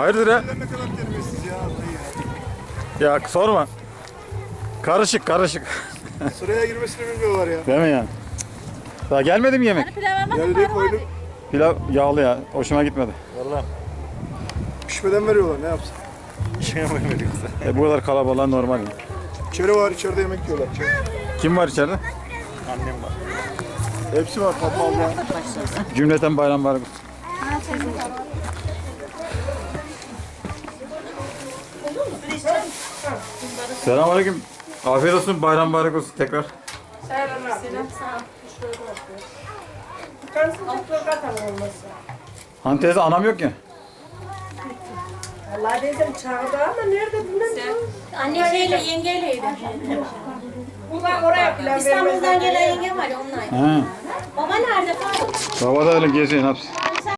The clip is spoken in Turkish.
Hayırdır ya? Ne kadar terbiyesiz ya. Ya sorma. Karışık karışık. Sıraya girmesini bilmiyorlar ya. Değil mi yani? Daha gelmedi mi yemek? Hani pilav almadın Geldi mı? koyduk. Pilav yağlı ya. Hoşuma gitmedi. Vallahi Pişmeden veriyorlar ne yapsın. işine mi veriyorsa? Bu kadar kalabalığa normal. Ya. İçeri var içeride yemek yiyorlar. İçeri. Kim var içeride? Annem var. Hepsi var Fatma abla. Cümleten bayram var. Selamünaleyküm. Afiyet olsun, bayram mübarek olsun tekrar. Hani teyze anam yok ya. Allah dedim çağırdı ama nerede bilmem. Anne yengeyleydi. Ulan oraya plan İstanbul'dan gelen yengem var ya onlar. He. Baba nerede? Baba da öyle geziyor, ne yapsın?